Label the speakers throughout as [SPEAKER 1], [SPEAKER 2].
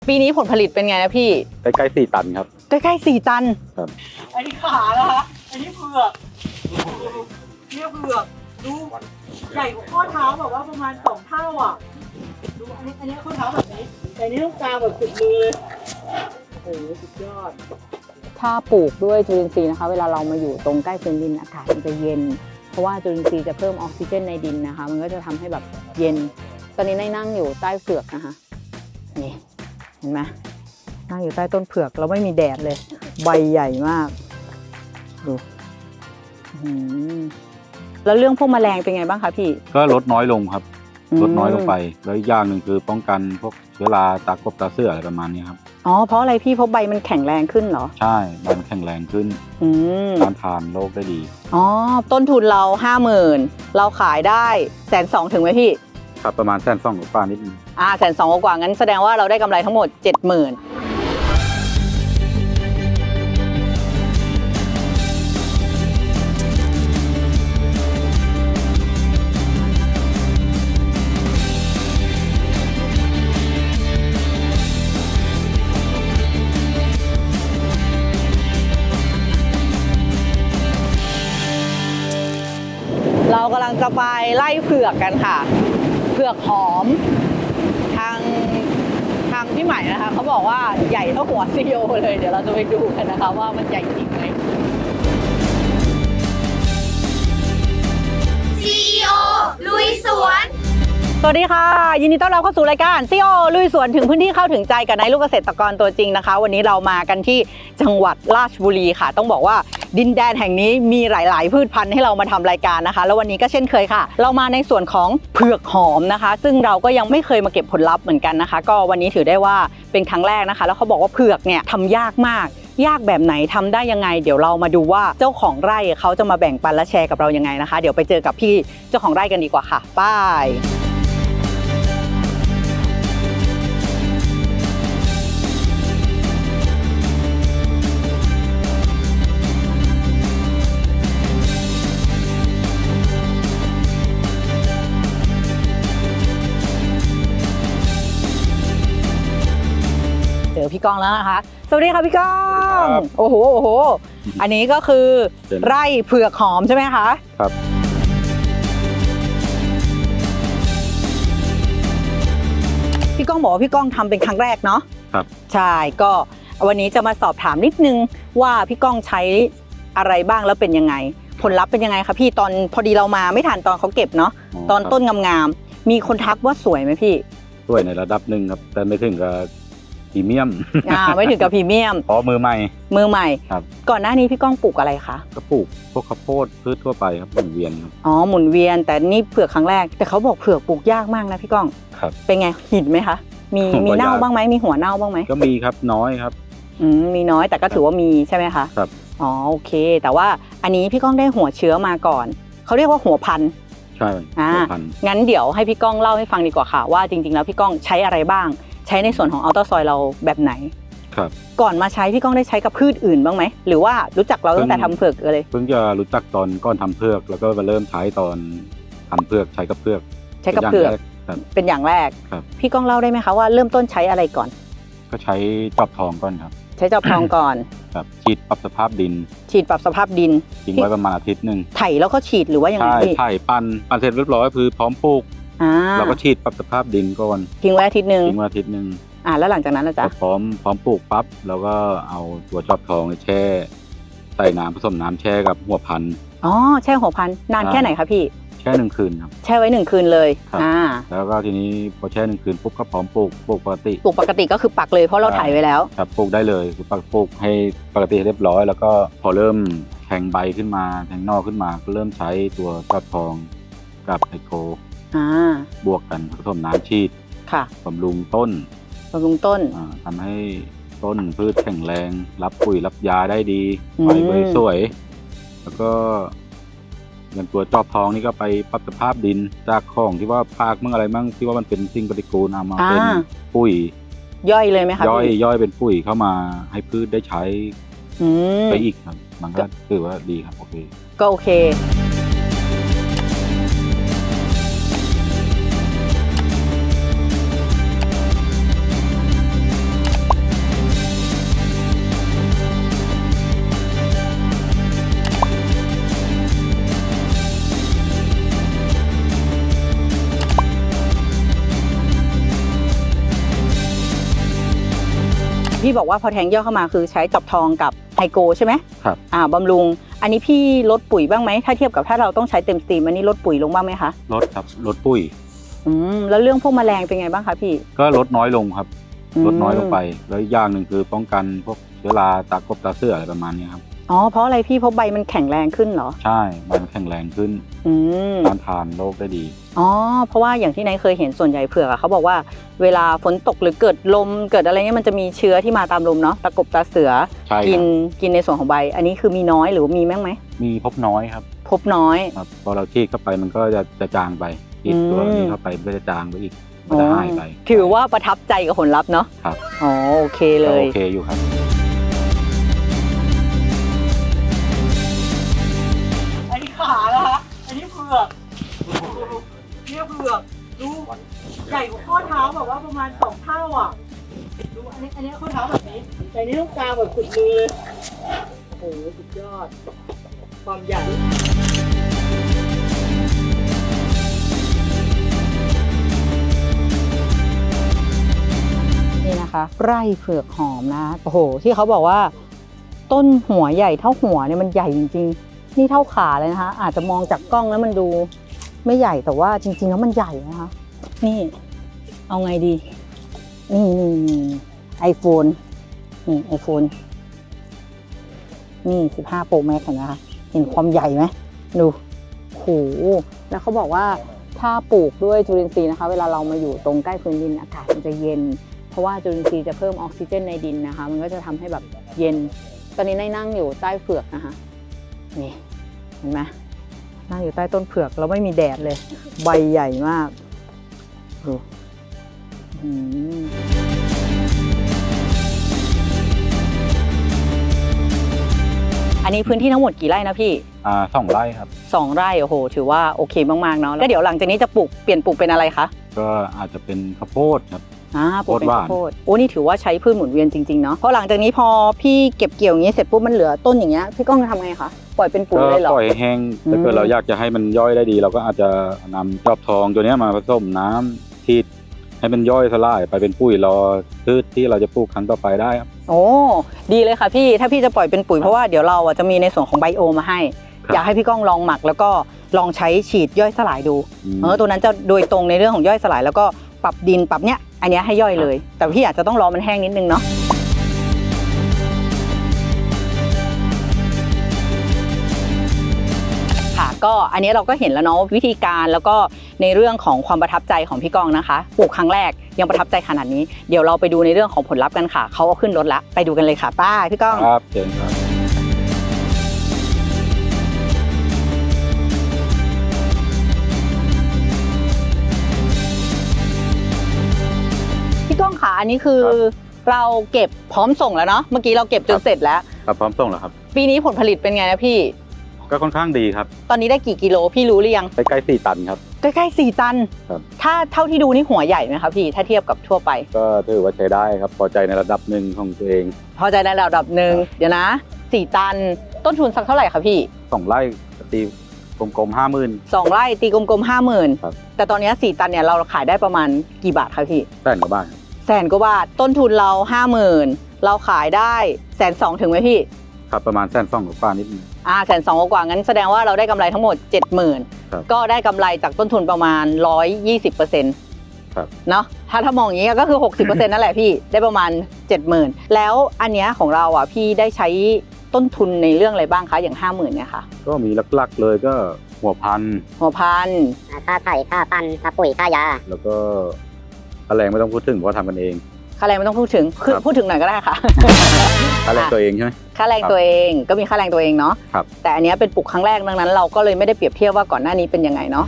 [SPEAKER 1] ปีนี้ผลผลิตเป็นไงนะพี่
[SPEAKER 2] ใกล้ๆ4 ตันครับ
[SPEAKER 1] ใกล้ๆ4 ตัน
[SPEAKER 2] ครับ
[SPEAKER 3] อันนี้ขานะคะอันนี้เผือกเนี่ยเผือกดูใหญ่กว่าข้อเท้าแบบว่าประมาณ2 เท่าอ่ะดูอันนี้ข้อเท้าแบบนี้แต่นี้ต้องกาแบบสุดมือเลยโอ้โหสุดยอด
[SPEAKER 1] ถ้าปลูกด้วยจุลินทรีย์นะคะเวลาเรามาอยู่ตรงใกล้พื้นดินอากาศมันจะเย็นเพราะว่าจุลินทรีย์จะเพิ่มออกซิเจนในดินนะคะมันก็จะทำให้แบบเย็นตอนนี้นั่งอยู่ใต้เผือกนะคะนี่เห็นไหมนั่งอยู่ใต้ต้นเผือกแล้วไม่มีแดดเลยใบใหญ่มากดูแล้วเรื่องพวกแมลงเป็นไงบ้างคะพี่
[SPEAKER 2] ก็ลดน้อยลงครับลดน้อยลงไปแล้วอีกอย่างหนึ่งคือป้องกันพวกเชื้อราตากบตาเสื่ออะไรประมาณนี้ครับ
[SPEAKER 1] อ๋อเพราะอะไรพี่เพราะใบมันแข็งแรงขึ้นเหรอ
[SPEAKER 2] ใช่ใบมันแข็งแรงขึ้นต้านทานโรคได้ดี
[SPEAKER 1] อ๋อต้นทุนเรา 50,000เราขายได้120,000ถึงไหมพี่
[SPEAKER 2] ครับประมาณ120,000กว่านิดนึง
[SPEAKER 1] 120,000กว่างั้นแสดงว่าเราได้กำไรทั้งหมด 70,000เรากำลังจะไปไล่เผือกกันค่ะเผือกหอมทางพี่ใหม่นะคะเขาบอกว่าใหญ่เท่าหัวซีโอเลยเดี๋ยวเราจะไปดูกันนะคะว่ามันใหญ่จริงไหม
[SPEAKER 4] CEO ลุยสวน
[SPEAKER 1] สวัสดีค่ะยินดีต้อนรับเข้าสู่รายการ CEO ลุยสวนถึงพื้นที่เข้าถึงใจกับนายลูกเกษตรกรตัวจริงนะคะวันนี้เรามากันที่จังหวัดราชบุรีค่ะต้องบอกว่าดินแดนแห่งนี้มีหลายๆพืชพันธุ์ให้เรามาทำรายการนะคะแล้ววันนี้ก็เช่นเคยค่ะเรามาในส่วนของเผือกหอมนะคะซึ่งเราก็ยังไม่เคยมาเก็บผลลัพธ์เหมือนกันนะคะก็วันนี้ถือได้ว่าเป็นครั้งแรกนะคะแล้วเขาบอกว่าเผือกเนี่ยทำยากมากยากแบบไหนทำได้ยังไงเดี๋ยวเรามาดูว่าเจ้าของไร่เขาจะมาแบ่งปันและแชร์กับเรายังไงนะคะเดี๋ยวไปเจอกับพี่เจ้าของไร่กันดีกว่าค่ะไปเจอพี่ก้องแล้วนะคะสวัสดีค่ะพี่ก้องโอ้โหอันนี้ก็คือไร่เผือกหอมใช่ไหมคะ
[SPEAKER 2] ครับ
[SPEAKER 1] พี่ก้องบอกว่าพี่ก้องทำเป็นครั้งแรกเนาะ
[SPEAKER 2] ครับ
[SPEAKER 1] ใช่ก็วันนี้จะมาสอบถามนิดนึงว่าพี่ก้องใช้อะไรบ้างแล้วเป็นยังไงผลลัพธ์เป็นยังไงคะพี่ตอนพอดีเรามาไม่ทันตอนเขาเก็บเนาะตอนต้นงามๆมีคนทักว่าสวยไหมพี่
[SPEAKER 2] สวยในระดับหนึ่งครับแต่ไม่ถึงกับพรีเมียม
[SPEAKER 1] ไม่ถึงกับพรีเมียม
[SPEAKER 2] เพราะมือใหม่
[SPEAKER 1] ครับก่อนหน้านี้พี่ก้องปลูกอะไรคะ
[SPEAKER 2] ก็ปลูกพวกข้าวโพดพืชทั่วไปครับหมุนเวียนครับ
[SPEAKER 1] อ๋อหมุนเวียนแต่นี่เผือกครั้งแรกแต่เขาบอกเผือกปลูกยากมากนะพี่ก้อง
[SPEAKER 2] ครับ
[SPEAKER 1] เป็นไงหินไหมคะมีเน่าบ้างไหมมีหัวเน่าบ้างไหม
[SPEAKER 2] ก็มีครับน้อยครับ
[SPEAKER 1] มีน้อยแต่ก็ถือว่ามีใช่ไหมคะ
[SPEAKER 2] ครับ
[SPEAKER 1] อ๋อโอเคแต่ว่าอันนี้พี่ก้องได้หัวเชื้อมาก่อนเขาเรียกว่าหัวพันธุ์
[SPEAKER 2] ใช่หัวพันธุ์
[SPEAKER 1] งั้นเดี๋ยวให้พี่ก้องเล่าให้ฟังดีกว่าค่ะว่าจริงๆแล้วพี่ก้องใช้อะไรบ้างใช้ในส่วนของอัลตราซอยเราแบบไหน
[SPEAKER 2] ครับ
[SPEAKER 1] ก่อนมาใช้พี่ก้องได้ใช้กับพืชอื่นบ้างไหมหรือว่ารู้จักเราตั้งแต่ทำเผือกเลย
[SPEAKER 2] เพิ่งจะรู้จักตอนก่อนทำเผือกแล้วก็มาเริ่มใช้ตอนทำเผือกใช้กับเผือก
[SPEAKER 1] เป็นอย่างแรกพี่ก้องเล่าได้ไหมคะว่าเริ่มต้นใช้อะไรก่อน
[SPEAKER 2] ก็ใช้จอบทองก่อนครับ
[SPEAKER 1] ใช้จอบทองก่อน
[SPEAKER 2] ครับฉีดปรับสภาพดิน
[SPEAKER 1] ทิ้
[SPEAKER 2] งไว้ประมาณอาทิตย์นึง
[SPEAKER 1] ไถแล้วก็ฉีดหรือว่ายังไง
[SPEAKER 2] ใช่ไถปั่นเสร็จเรียบร้อยคือพร้อมปลูกเราก็ฉีดปรับสภาพดินก่อน
[SPEAKER 1] ทิ้งไว้อาทิตย์นึงแล้วหลังจากนั้นนะจ๊ะ
[SPEAKER 2] พร้อมปลูกปั๊บแล้วก็เอาตัวจอบทองแช่ใส่น้ำผสมน้ำแช่กับหัวพันธุ์
[SPEAKER 1] แช่หัวพันธุ์นานแค่ไหนคะพี่
[SPEAKER 2] แช่1 คืนครับ
[SPEAKER 1] แช่ไว้1 คืนเลย
[SPEAKER 2] แล้วก็ทีนี้พอแช่1 คืนปุ๊บก็พร้อมปลูกปก
[SPEAKER 1] ติก็คือปักเลยเพราะเราถ่ายไว้แล้ว
[SPEAKER 2] ครับปลูกได้เลยคือปลูกให้ปกติเรียบร้อยแล้วก็พอเริ่มแทงใบขึ้นมาแทงนอกขึ้นมาก็เริ่มใช้ตัวจอบทองกับไฮโคบวกกันผสมน้ำฉีดบำรุงต้นทำให้ต้นพืชแข็งแรงรับปุ๋ยรับยาได้ดีใบสวยแล้วก็อย่างตัวจอบทองนี่ก็ไปปรับสภาพดินจากของที่ว่าพากมั่งอะไรมั่งที่ว่ามันเป็นสิ่งปฏิกูลเอามาเป็นปุ๋ย
[SPEAKER 1] ย่อยเลยไหมคะ
[SPEAKER 2] ย่อยเป็นปุ๋ยเข้ามาให้พืชได้ใช้ไปอีกครับมันก็ถือว่าดีครับโอเค
[SPEAKER 1] ก็โอเคพี่บอกว่าพอแทงยอดเข้ามาคือใช้จอบทองกับไฮโกใช่ไหม
[SPEAKER 2] ครับ
[SPEAKER 1] บำรุงอันนี้พี่ลดปุ๋ยบ้างไหมถ้าเทียบกับถ้าเราต้องใช้เต็มสตรีมอันนี้ลดปุ๋ยลงบ้างไหมคะ
[SPEAKER 2] ลดครับลดปุ๋ย
[SPEAKER 1] แล้วเรื่องพวกแมลงเป็นไงบ้างคะพี่
[SPEAKER 2] ก็ลดน้อยลงครับลดน้อยลงไปแล้วอีกอย่างหนึ่งคือป้องกันพวกเชื้อราตากบตาเสื้ออะไรประมาณนี้ครับ
[SPEAKER 1] อ๋อเพราะอะไรพี่เพราะใบมันแข็งแรงขึ้นเหรอ
[SPEAKER 2] ใช่มันแข็งแรงขึ้นต้านทานโรคได้ดี
[SPEAKER 1] อ๋อเพราะว่าอย่างที่นายเคยเห็นส่วนใหญ่เผือกอะเขาบอกว่าเวลาฝนตกหรือเกิดลมเกิดอะไรเงี้ยมันจะมีเชื้อที่มาตามลมเนาะตะกบตาเสือ
[SPEAKER 2] ใช่ครับ
[SPEAKER 1] กินในส่วนของใบ อันนี้คือมีน้อยหรือว่ามีมั้งไหม
[SPEAKER 2] มีพบน้อยครับ
[SPEAKER 1] พบน้อย
[SPEAKER 2] ครับพอเราฉีดเข้าไปมันก็จะจางไปฉีดตัวนี้เข้าไปมันก็จะจางไปอีกมันจะหายไป
[SPEAKER 1] ถือว่าประทับใจกับผลลัพธ์เนาะ
[SPEAKER 2] ครับ
[SPEAKER 1] อ๋อโอเคเล
[SPEAKER 2] ก็
[SPEAKER 1] ย
[SPEAKER 2] โอเคอยู่ครับ
[SPEAKER 3] อันนี้ขานะคะอันนี้เผือกเนี่ยเผือกดูใหญ่กว่าข้อเท้าแบบว่าประมาณ2 เท่าอ่ะดูอันนี้ข้อเท้าแบบนี้แต่อันนี้ต้องกลางแบบสุดมือเลยโอ้โหสุดยอดความใหญ่
[SPEAKER 1] นี่นะคะไร่เผือกหอมนะโอ้โหที่เขาบอกว่า ต้นหัวใหญ่เท่าหัวเนี่ยมันใหญ่จริงๆนี่เท่าขาเลยนะคะอาจจะมองจากกล้องแล้วมันดูไม่ใหญ่แต่ว่าจริงๆแล้วมันใหญ่นะคะนี่เอาไงดีนี่ไอโฟนนี่ไอโฟนนี่15 Pro Max เห็นไหมคะเห็นความใหญ่ไหมดูโหแล้วเขาบอกว่าถ้าปลูกด้วยจุลินทรีย์นะคะเวลาเรามาอยู่ตรงใกล้พื้นดินอากาศมันจะเย็นเพราะว่าจุลินทรีย์จะเพิ่มออกซิเจนในดินนะคะมันก็จะทำให้แบบเย็นตอนนี้นั่งอยู่ใต้เผือกนะคะนี่เห็นไหมนั่งอยู่ใต้ต้นเผือกแล้วไม่มีแดดเลยใบใหญ่มากดูอันนี้พื้นที่ทั้งหมดกี่ไร่นะพี่
[SPEAKER 2] 2 ไร่ครับ
[SPEAKER 1] 2 ไร่โอ้โหถือว่าโอเคมากๆเนาะแล้วเดี๋ยวหลังจากนี้จะเปลี่ยนปลูกเป็นอะไรคะ
[SPEAKER 2] ก็อาจจะเป็นข้าวโพดครับ
[SPEAKER 1] ปลูกเป็นข้าวโพดโอ้นี่ถือว่าใช้พืชหมุนเวียนจริงๆเนาะเพราะหลังจากนี้พอพี่เก็บเกี่ยวอย่างนี้เสร็จปุ๊บมันเหลือต้นอย่างเงี้ยพี่ก้องจะทำไงคะปล่อยเป็นปุ๋ย
[SPEAKER 2] ก็
[SPEAKER 1] เลยเหรอ
[SPEAKER 2] ปล่อยแห้งถ้าเกิดเราอยากจะให้มันย่อยได้ดี เราก็อาจจะนำจอบทองตัวนี้มาผสมน้ำฉีดให้มันย่อยสลายไปเป็นปุ๋ยรอพืชที่เราจะปลูกครั้งต่อไปได้ครับ
[SPEAKER 1] โอ้ดีเลยค่ะพี่ถ้าพี่จะปล่อยเป็นปุ๋ยเพราะว่าเดี๋ยวเราจะมีในส่วนของไบโอมาให้ อยากให้พี่ก้องลองหมักแล้วก็ลองใช้ฉีดย่อยสลายดูตัวนั้นจะโดยตรงในเรื่องของย่อยสลายแล้วก็ปรับดินปรับเนี้ยอันเนี้ยให้ย่อยเลย แต่พี่อาจจะต้องรอมันแห้งนิดนึงเนาะค่ะก็อันนี้เราก็เห็นแล้วเนาะวิธีการแล้วก็ในเรื่องของความประทับใจของพี่ก้องนะคะปลูกครั้งแรกยังประทับใจขนาดนี้เดี๋ยวเราไปดูในเรื่องของผลลัพธ์กันค่ะเขาเอาขึ้นรถแล้วไปดูกันเลยค่ะป้าพี่ก้อง
[SPEAKER 2] ครับเชิญครับ
[SPEAKER 1] พี่ก้องขาอันนี้คือเราเก็บพร้อมส่งแล้วเนาะเมื่อกี้เราเก็บจนเสร็จแล้ว
[SPEAKER 2] ครับพร้อมส่งแล้วครับ
[SPEAKER 1] ปีนี้ผลผลิตเป็นไงนะพี่
[SPEAKER 2] ก็ค่อนข้างดีครับ
[SPEAKER 1] ตอนนี้ได้กี่กิโลพี่รู้หรือยัง
[SPEAKER 2] ใกล้ๆ4 ตันครับ
[SPEAKER 1] ใกล้ๆ4 ตัน
[SPEAKER 2] ครับ
[SPEAKER 1] ถ้าเท่าที่ดูนี่หัวใหญ่ไหมคะพี่ถ้าเทียบกับทั่วไป
[SPEAKER 2] ก็ถือว่าใช้ได้ครับพอใจในระดับหนึ่งของตัวเอง
[SPEAKER 1] พอใจในระดับหนึ่งเดี๋ยวนะ4 ตันต้นทุนสักเท่าไหร่คะพี่
[SPEAKER 2] 2 ไร่ตีกลมๆ50,000
[SPEAKER 1] 2 ไร่ตีกลมๆ
[SPEAKER 2] ครับ
[SPEAKER 1] 50,000แต่ตอนนี้4 ตันเนี่ยเราขายได้ประมาณกี่บาทคะพี่
[SPEAKER 2] แสนกว่าบาทครับ
[SPEAKER 1] 100,000 กว่าบาทต้นทุนเรา 50,000เราขายได้120,000ถึงไหมพี่
[SPEAKER 2] ครับประมาณ120,000กว่านิดนึง
[SPEAKER 1] 120,000 กว่างั้นแสดงว่าเราได้กำไรทั้งหมด 70,000
[SPEAKER 2] ครับ
[SPEAKER 1] ก็ได้กำไรจากต้นทุนประมาณ 120%
[SPEAKER 2] ครับ
[SPEAKER 1] เนาะถ้ามองอย่างนี้ก็คือ 60% นั่นแหละพี่ได้ประมาณ 70,000 แล้วอันเนี้ยของเราอ่ะพี่ได้ใช้ต้นทุนในเรื่องอะไรบ้างคะอย่าง 50,000เนี่ยค่ะ
[SPEAKER 2] ก็มีหลักๆเลยก็หัวพันธุ์
[SPEAKER 1] หัวพันธุ์
[SPEAKER 5] ค่าไถ่ค่าปันค่าปุ๋ยค่ายา
[SPEAKER 2] แล้วก็ค่าแรงไม่ต้องพูดถึงเพราะทำกันเอง
[SPEAKER 1] ค่าแรงไม่ต้องพูดถึงคือ
[SPEAKER 2] ครับ
[SPEAKER 1] พูดถึงหน่อยก็ได้ค่ะ
[SPEAKER 2] ค่าแรงตัวเองใช่ไหม
[SPEAKER 1] ค่าแรงตัวเองก็มีค่าแรงตัวเองเนาะ
[SPEAKER 2] ครับ
[SPEAKER 1] แต่อันเนี้ยเป็นปลูกครั้งแรกดังนั้นเราก็เลยไม่ได้เปรียบเทียบว่าก่อนหน้านี้เป็นยังไงเนาะ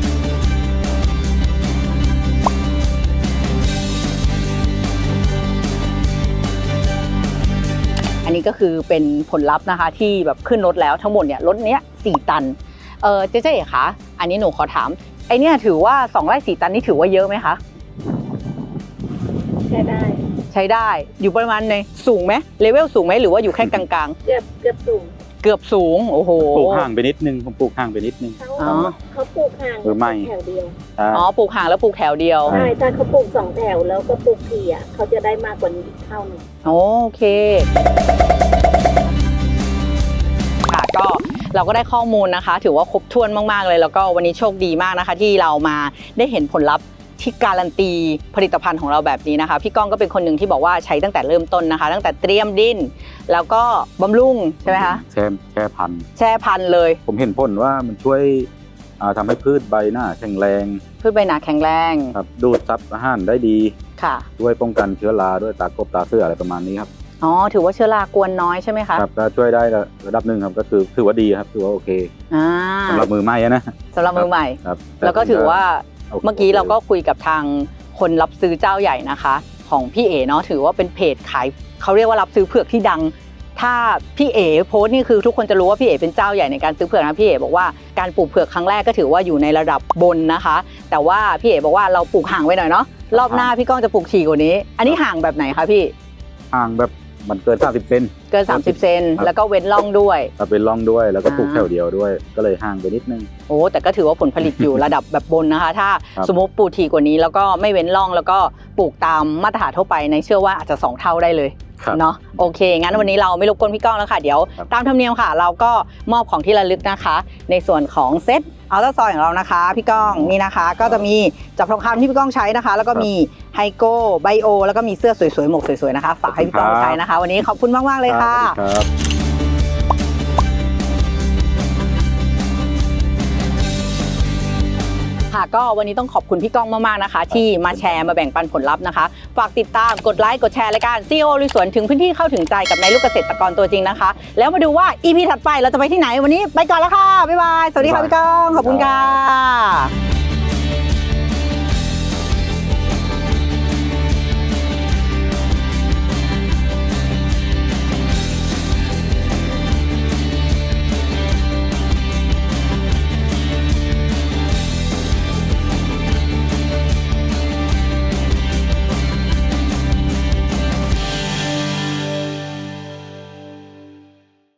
[SPEAKER 1] อันนี้ก็คือเป็นผลลัพธ์นะคะที่แบบขึ้นรถแล้วทั้งหมดเนี่ยรถเนี้ย4 ตันเจ๊เอ๋คะอันนี้หนูขอถามไอเนี่ยถือว่า2 ไร่ 4 ตันนี่ถือว่าเยอะไหมคะ
[SPEAKER 6] ใช้ได้
[SPEAKER 1] ใช้ได้อยู่ประมาณในสูงไหมเลเวลสูงไหมหรือว่าอยู่แค่กลาง
[SPEAKER 6] เกือบสูง
[SPEAKER 1] เกือบสูงโอ้โห
[SPEAKER 2] ปลูกห่างไปนิดนึงผมปลูกห่างไปนิดนึง
[SPEAKER 1] อ๋อ
[SPEAKER 6] เขาปลูกห่าง
[SPEAKER 2] หรือไม่
[SPEAKER 6] แถวเดียว
[SPEAKER 1] อ๋อปลูกห่างแล้วปลูกแถวเดียว
[SPEAKER 6] ใช่ถ้าเขาปลูก2 แถวแล้วก็ปลูกทีอ่ะเขาจะได้มากกว่านี้เท่านึง
[SPEAKER 1] โอเคค่ะก็เราก็ได้ข้อมูลนะคะ ถือว่าครบถ้วนมากๆเลยแล้วก็วันนี้โชคดีมากนะคะ ที่เรามาได้เห็นผลลัพธ์ที่การันตีผลิตภัณฑ์ของเราแบบนี้นะคะพี่ก้องก็เป็นคนหนึ่งที่บอกว่าใช้ตั้งแต่เริ่มต้นนะคะ ตั้งแต่เตรียมดินแล้วก็บำรุงใช่ไหมคะ
[SPEAKER 2] แช่พันธุ์
[SPEAKER 1] แช่พันธุ์เลย
[SPEAKER 2] ผมเห็นผลว่ามันช่วยทำให้พืชใบหน้าแข็งแรง
[SPEAKER 1] พืชใบหนาแข็งแรง
[SPEAKER 2] ครับดูดซับอาหารได้ดี
[SPEAKER 1] ค่ะ
[SPEAKER 2] ช่วยป้องกันเชื้อราด้วยตากบตาเสื้ออะไรประมาณนี้ครับ
[SPEAKER 1] อ๋อถือว่าเชื้อรากวนน้อยใช่ไหมคะ
[SPEAKER 2] ครับก็ช่วยได้ระดับหนึ่งครับก็คือถือว่าดีครับถือว่าโอเค
[SPEAKER 1] อ่า
[SPEAKER 2] สำหรับมือใหม่นะ
[SPEAKER 1] สำหรับมือใหม่
[SPEAKER 2] ครับ
[SPEAKER 1] แล้วก็ถือว่า
[SPEAKER 2] โอเค
[SPEAKER 1] เมื่อกี้เราก็คุยกับทางคนรับซื้อเจ้าใหญ่นะคะ ของพี่เอ๋เนาะถือว่าเป็นเพจขายเขาเรียกว่ารับซื้อเผือกที่ดัง ถ้าพี่เอ๋โพสต์นี่คือทุกคนจะรู้ว่าพี่เอ๋เป็นเจ้าใหญ่ในการซื้อเผือกนะพี่เอ๋บอกว่าการปลูกเผือกครั้งแรกก็ถือว่าอยู่ในระดับบนนะคะ แต่ว่าพี่เอ๋บอกว่าเราปลูกห่างไว้หน่อยเนาะรอบหน้าพี่ก้องจะปลูกถี่กว่านี้ อันนี้ห่างแบบไหนคะพี่
[SPEAKER 2] ห่างแบบมันเกิน30เซน
[SPEAKER 1] เกิน30เซน
[SPEAKER 2] ครับ
[SPEAKER 1] แล้วก็เว้นร่องด้วย
[SPEAKER 2] ถ้าเป็นร่องด้วยแล้วก็ปลูก
[SPEAKER 1] อ่า
[SPEAKER 2] แถวเดียวด้วย ก็เลยห่างไปนิดนึง
[SPEAKER 1] โอ้แต่ก็ถือว่าผลผลิตอยู่ระดับแบบบนนะคะ ถ้า
[SPEAKER 2] ครับ
[SPEAKER 1] สมมติปลูกถี่กว่านี้แล้วก็ไม่เว้นร่องแล้วก็ปลูกตามมาตรฐานทั่วไปในเชื่อว่าอาจจะ2เท่าได้เลย
[SPEAKER 2] ครับ
[SPEAKER 1] เนาะโอเคงั้นวันนี้เราไม่รบกวนพี่ก้องแล้วค่ะเดี๋ยว
[SPEAKER 2] ครับ
[SPEAKER 1] ตามธรรมเนียมค่ะ เราก็มอบของที่ระลึกนะคะ ในส่วนของเซตอัลตราซอยของเรานะคะพี่ก้องนี่นะคะ ก็จะมีจับทองคำที่พี่ก้องใช้นะคะ แล้วก็มีไฮโก้ไบโอแล้วก็มีเสื้อสวยๆหมวกสวยๆนะคะฝากให้พี่ก้องใช้นะคะ วันนี้ขอบคุณมากๆเลยค่ะ
[SPEAKER 2] ครับ
[SPEAKER 1] ค่ะก็วันนี้ต้องขอบคุณพี่ก้องมากๆนะคะ ที่มาแชร์มาแบ่งปันผลลัพธ์นะคะ ฝากติดตามกดไลค์กดแชร์รายการ CEO ลุยสวนถึงพื้นที่เข้าถึงใจกับนายลูกเกษตรกรตัวจริงนะคะ แล้วมาดูว่า EP ถัดไปเราจะไปที่ไหนวันนี้ไปก่อนแล้วค่ะบ๊ายบายสวัสดีค่ะพี่ก้องขอบคุณค่ะ